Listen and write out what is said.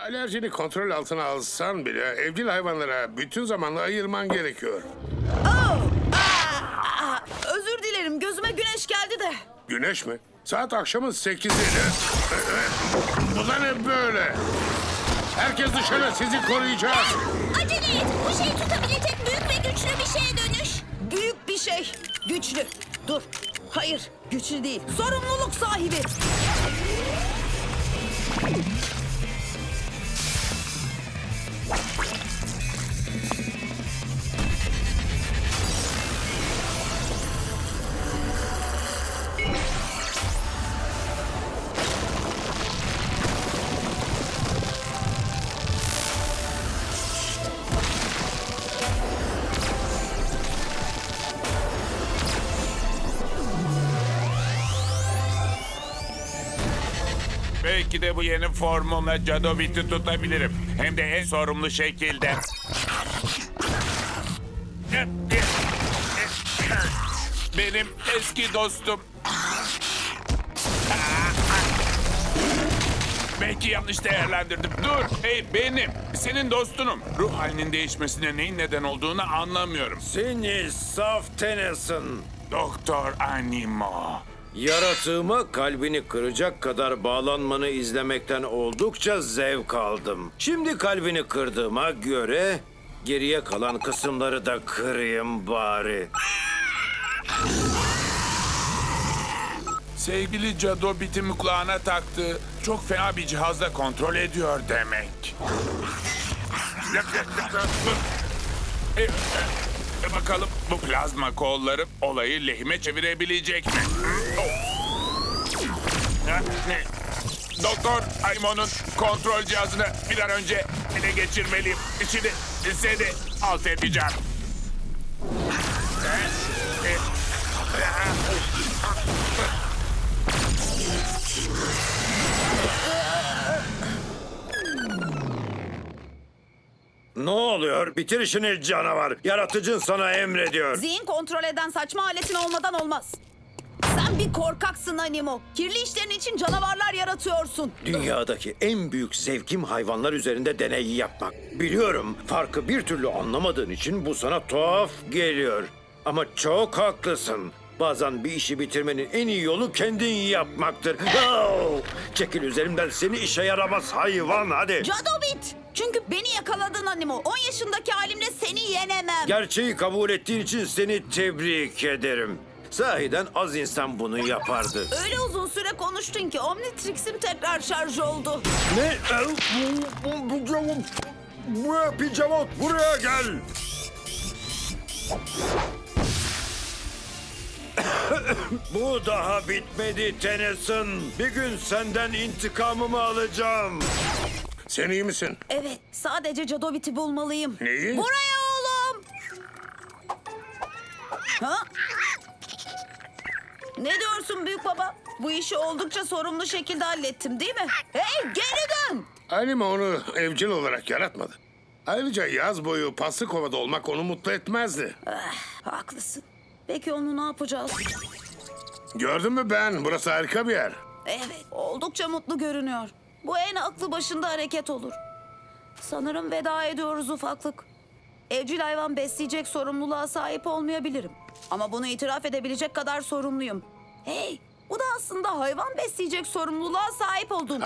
Alerjini kontrol altına alsan bile evcil hayvanlara bütün zamanla ayırman gerekiyor. Özür dilerim, gözüme güneş geldi de. Güneş mi? Saat akşamın 8'i. Bu da ne böyle? Herkes dışarı, sizi koruyacağız. Acele et. Bu şey tutabilecek büyük ve güçlü bir şeye dönüş. Büyük bir şey, güçlü. Dur, hayır, güçlü değil. Sorumluluk sahibi. Belki de bu yeni formumla Jadobit'i tutabilirim. Hem de en sorumlu şekilde. Benim eski dostum. Belki yanlış değerlendirdim. Dur, hey benim. Senin dostunum. Ruh halinin değişmesine neyin neden olduğunu anlamıyorum. Seni saf Tennyson. Doktor Animo. Yaratığıma kalbini kıracak kadar bağlanmanı izlemekten oldukça zevk aldım. Şimdi kalbini kırdığıma göre geriye kalan kısımları da kırayım bari. Sevgili Jadobit'in kulağına taktığı çok fena bir cihazla kontrol ediyor demek. Bakalım bu plazma kolları olayı lehime çevirebilecek mi? Doktor Aymon'un kontrol cihazını bir an önce ele geçirmeliyim. Şimdi seni alt edeceğim. Ne oluyor? Bitir işini canavar. Yaratıcın sana emrediyor. Zihin kontrol eden saçma aletin olmadan olmaz. Sen bir korkaksın Animo. Kirli işlerin için canavarlar yaratıyorsun. Dünyadaki en büyük zevkim hayvanlar üzerinde deney yapmak. Biliyorum, farkı bir türlü anlamadığın için bu sana tuhaf geliyor. Ama çok haklısın. Bazen bir işi bitirmenin en iyi yolu kendin yapmaktır. Oh! Çekil üzerimden, seni işe yaramaz hayvan, hadi. Jadobit! Çünkü beni yakaladın Animo. 10 yaşındaki halimle seni yenemem. Gerçeği kabul ettiğin için seni tebrik ederim. Sahiden az insan bunu yapardı. Öyle uzun süre konuştun ki Omnitrix'im tekrar şarj oldu. Ne? Pijamot, buraya gel. Bu daha bitmedi Tennyson. Bir gün senden intikamımı alacağım. Sen iyi misin? Evet, sadece Jadobit'i bulmalıyım. Neyi? Buraya oğlum! Ha? Ne diyorsun büyük baba? Bu işi oldukça sorumlu şekilde hallettim değil mi? Hey, geri dön! Anime onu evcil olarak yaratmadı. Ayrıca yaz boyu Paslıkova'da olmak onu mutlu etmezdi. Haklısın. Peki onu ne yapacağız? Gördün mü Ben? Burası harika bir yer. Evet, oldukça mutlu görünüyor. Bu en aklı başında hareket olur. Sanırım veda ediyoruz ufaklık. Evcil hayvan besleyecek sorumluluğa sahip olmayabilirim. Ama bunu itiraf edebilecek kadar sorumluyum. Hey, bu da aslında hayvan besleyecek sorumluluğa sahip olduğum